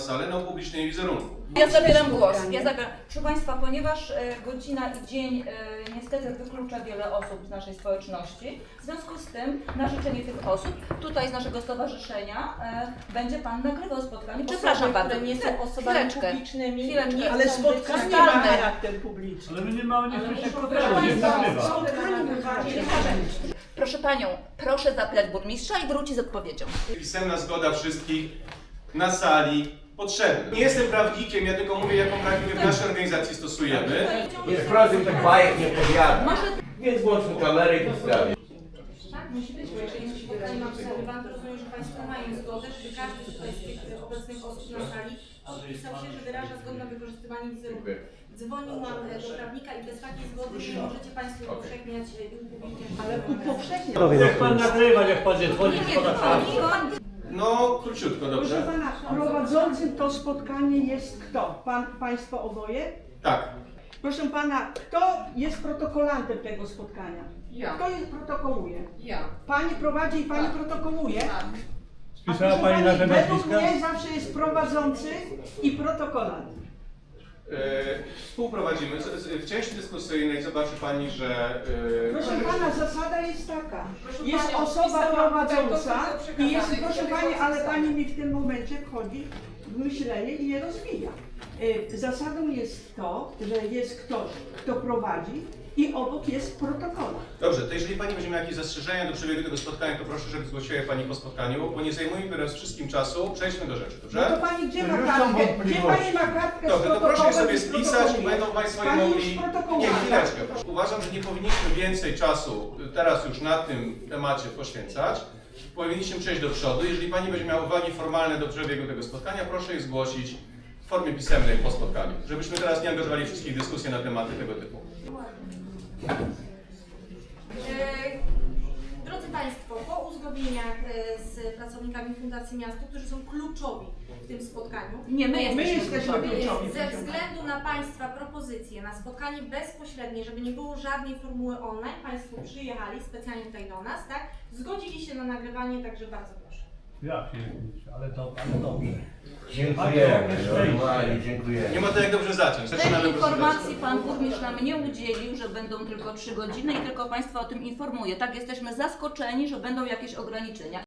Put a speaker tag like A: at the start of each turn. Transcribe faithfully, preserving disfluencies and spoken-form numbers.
A: salę na upublicznienie wizerunku.
B: Ja zabieram głos. Ja zabieram. Proszę Państwa, ponieważ e, godzina i dzień e, niestety wyklucza wiele osób z naszej społeczności, w związku z tym na życzenie tych osób tutaj z naszego stowarzyszenia e, będzie Pan nagrywał spotkanie. Przepraszam bardzo.
C: Które nie są osobami
B: Chwileczkę.
C: publicznymi.
B: Chwileczkę.
C: Nie
D: Ale
C: chcą być
D: spotkanie ma
B: ustalmy.
D: charakter publiczny.
E: Ale my nie mamy nie słyszeć
B: Proszę
E: programu, nie
B: Państwa,
E: nagrywa.
D: Spotkanie ma charakter publiczny.
B: Proszę Panią, proszę zapytać burmistrza i wróci z odpowiedzią.
A: Pisemna zgoda wszystkich na sali potrzebna. Nie jestem prawnikiem, ja tylko mówię, jaką praktykę w naszej organizacji stosujemy.
F: Nie wprowadź tak bajek nie powiada.
B: Może
F: Więc włączmy kamerę i sprawie.
C: Tak, musi być, bo jeżeli musi spotkanie ma obserwant, to rozumiem, że Państwo mają zgodę, żeby każdy tutaj z tych obecnych osób na sali podpisał się, że wyraża zgodę na wykorzystywanie wizerunku. Dzwoniłam do prawnika i bez takiej zgody nie możecie Państwo upowszechniać i upubliczniać.
D: Ale upowszechnia.
E: Niech pan nagrywa, niech pan nie dzwoni
B: nie,
E: z podatkami.
A: No, króciutko,
D: Proszę
A: dobrze?
D: pana, prowadzącym to spotkanie jest kto? Pan, państwo oboje?
A: Tak.
D: Proszę pana, kto jest protokolantem tego spotkania?
G: Ja.
D: Kto je protokołuje?
G: Ja.
D: Pani prowadzi i pani protokołuje?
G: Tak.
D: A
E: Spisała
D: proszę
E: pani nasze
D: według
E: nazwiska?
D: mnie zawsze jest prowadzący i protokolant.
A: E, współprowadzimy. Z- z- W części dyskusyjnej zobaczy Pani, że... e,
D: Proszę pana, zasada jest taka.
G: Proszę
D: Jest
G: panią,
D: osoba
G: wpisałam
D: prowadząca
G: tego,
D: i jest,
G: przekazane,
D: proszę
G: tego
D: pani, ale
G: wpisałam.
D: pani mi w tym momencie wchodzi w myślenie i je rozwija. Y, Zasadą jest to, że jest ktoś, kto prowadzi i obok jest protokół.
A: Dobrze, to jeżeli Pani będzie miała jakieś zastrzeżenia do przebiegu tego spotkania, to proszę, żeby zgłosiła je Pani po spotkaniu, bo nie zajmujmy teraz wszystkim czasu. Przejdźmy do rzeczy,
D: No
A: dobrze?
D: to pani gdzie ma
E: Już są
D: kartkę? Gdzie
E: wątpliwości.
D: pani ma kartkę z
A: Dobrze, to proszę je
D: protokołem
A: sobie
D: i z
A: spisać i
D: protokołem?
A: będą Państwo je
D: Pani już
A: mogli...
D: protokołuje,
A: Nie,
D: tak?
A: chwileczkę. Uważam, że nie powinniśmy więcej czasu teraz już na tym temacie poświęcać. Powinniśmy przejść do przodu. Jeżeli Pani będzie miała uwagi formalne do przebiegu tego spotkania, proszę je zgłosić w formie pisemnej po spotkaniu, żebyśmy teraz nie angażowali wszystkich w dyskusje na tematy tego typu.
C: E, Drodzy Państwo, po uzgodnieniach e, z pracownikami Fundacji Miasto, którzy są kluczowi w tym spotkaniu,
B: nie, my jesteśmy,
D: My jesteśmy
B: kluczowi.
D: kluczowi.
C: ze względu na Państwa propozycje na spotkanie bezpośrednie, żeby nie było żadnej formuły online, Państwo przyjechali specjalnie tutaj do nas, tak? Zgodzili się na nagrywanie, także bardzo proszę.
E: Ja się ale to, ale dobrze.
F: Dziękujemy, normalnie dziękujemy.
A: Nie ma to jak dobrze zacząć.
B: Tej
A: Zaczynamy
B: informacji
A: prezentację.
B: Pan Burmistrz nam nie udzielił, że będą tylko trzy godziny i tylko Państwa o tym informuje. Tak, jesteśmy zaskoczeni, że będą jakieś ograniczenia.